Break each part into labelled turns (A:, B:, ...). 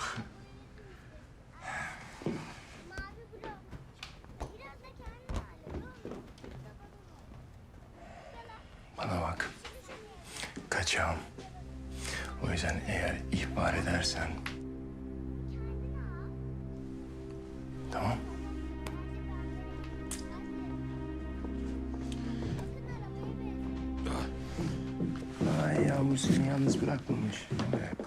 A: Bana bak. Kaçağım. O yüzden eğer ihbar edersen... Tamam. Ay Yağmur seni yalnız bırakmamış. Evet.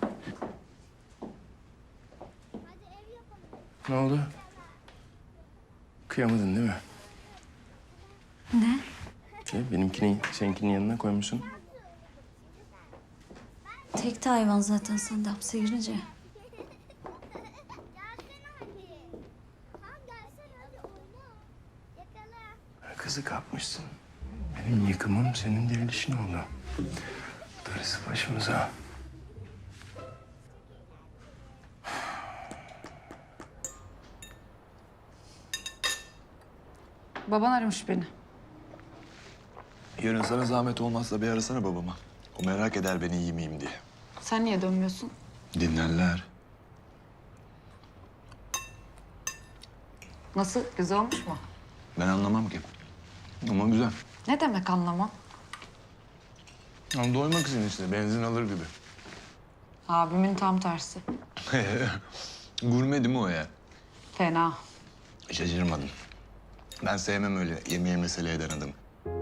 A: Ne oldu? Kıyamadın değil mi?
B: Ne?
A: Benimkini seninkinin yanına koymuşsun.
B: Tek de hayvan zaten sen de hapse girince.
A: Kızı kapmışsın. Benim yıkımım senin dirilişin oldu. Darısı başımıza.
C: Baban aramış beni.
D: Yarın sana zahmet olmazsa bir arasana babama. O merak eder beni iyi miyim diye.
C: Sen niye dönmüyorsun?
D: Dinlerler.
C: Nasıl? Güzel olmuş mu?
D: Ben anlamam ki. Ama güzel.
C: Ne demek anlamam?
A: Ama doymak için işte benzin alır gibi.
C: Abimin tam tersi.
D: Gurme değil mi o ya?
C: Fena.
D: Şaşırmadım. Ben sevmem öyle yemeğe mesele eden adamı.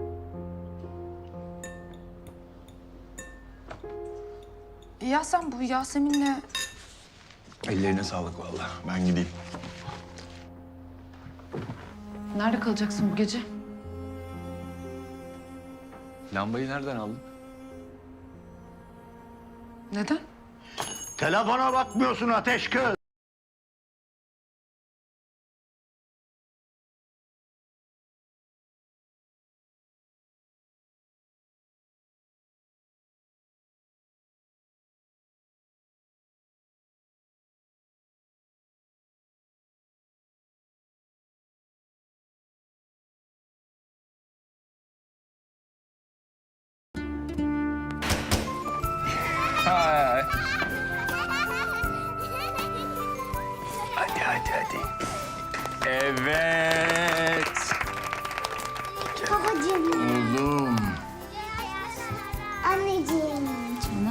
C: Ya sen bu Yasemin'le...
D: Ellerine sağlık vallahi. Ben gideyim.
C: Nerede kalacaksın bu gece?
D: Lambayı nereden aldın?
C: Neden?
E: Telefona bakmıyorsun ateş kız.
A: Hadi. Evet.
F: Babacığım,
A: Oğlum.
F: anneciğim.
B: Canım.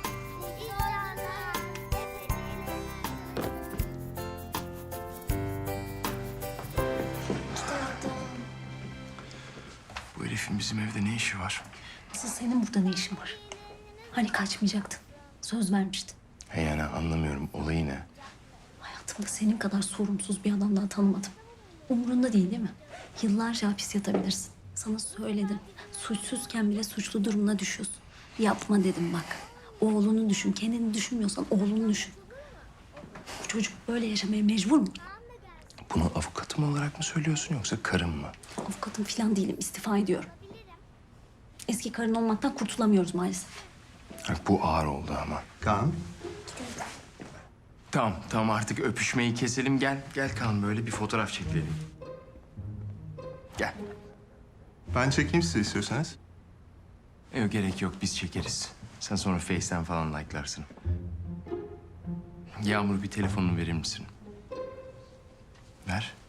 A: Bu herifin bizim evde ne işi var?
B: Asıl senin burada ne işin var? Hani kaçmayacaktın? Söz vermiştin.
A: He yani anlamıyorum. Olayı ne?
B: Hayatımda senin kadar sorumsuz bir adam daha tanımadım. Umurunda değil mi? Yıllarca hapis yatabilirsin. Sana söyledim. Suçsuzken bile suçlu durumuna düşüyorsun. Yapma dedim bak. Oğlunu düşün. Kendini düşünmüyorsan oğlunu düşün. Bu çocuk böyle yaşamaya mecbur mu?
A: Bunu avukatım olarak mı söylüyorsun yoksa karım mı?
B: Avukatım falan değilim. İstifa ediyorum. Eski karın olmaktan kurtulamıyoruz maalesef.
A: Bak bu ağır oldu ama.
E: Kaan.
A: Tamam artık öpüşmeyi keselim. Gel Kaan böyle bir fotoğraf çekelim. Gel.
G: Ben çekeyim size istiyorsanız.
A: Yok gerek yok biz çekeriz. Sen sonra Face'ten falan like'larsın. Yağmur bir telefonunu verir misin? Ver.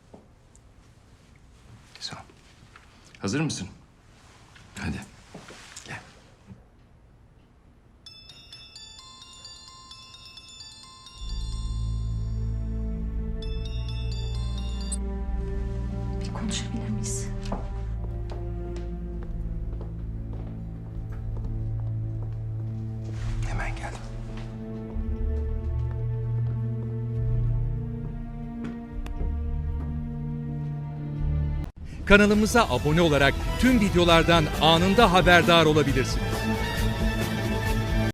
A: Sağ ol. Hazır mısın? Hadi. Gel.
B: Bir konuşabilir miyiz?
A: Hemen geldim.
H: Kanalımıza abone olarak tüm videolardan anında haberdar olabilirsiniz.